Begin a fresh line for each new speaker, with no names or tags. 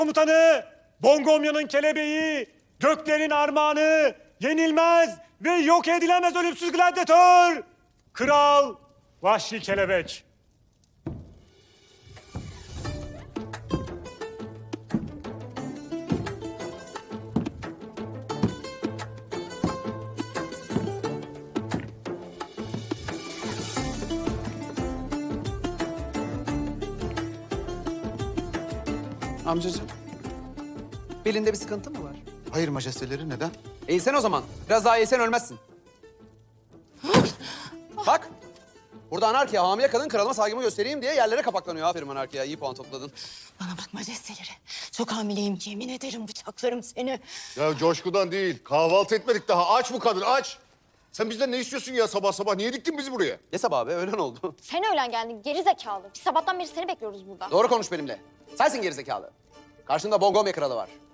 Komutanı, Bongomya'nın kelebeği, göklerin armağanı, yenilmez ve yok edilemez ölümsüz gladyatör, Kral Vahşi Kelebek.
Amcacığım, belinde bir sıkıntı mı var?
Hayır majesteleri, neden?
Eğilsen o zaman. Biraz daha eğilsen ölmezsin. Bak, burada anarkiya, hamile kadın kralıma saygımı göstereyim diye yerlere kapaklanıyor. Aferin anarkiya, iyi puan topladın.
Bana bak majesteleri. Çok hamileyim, yemin ederim bıçaklarım seni.
Ya coşkudan değil. Kahvaltı etmedik daha. Aç bu kadın, aç. Sen bizden ne istiyorsun ya sabah sabah? Niye diktin bizi buraya?
Ne sabah abi, öğlen oldu.
Sen öğlen geldin geri zekalı. Biz sabahtan beri seni bekliyoruz burada.
Doğru konuş benimle. Sensin gerizekalı. Karşında Bongomya kralı var.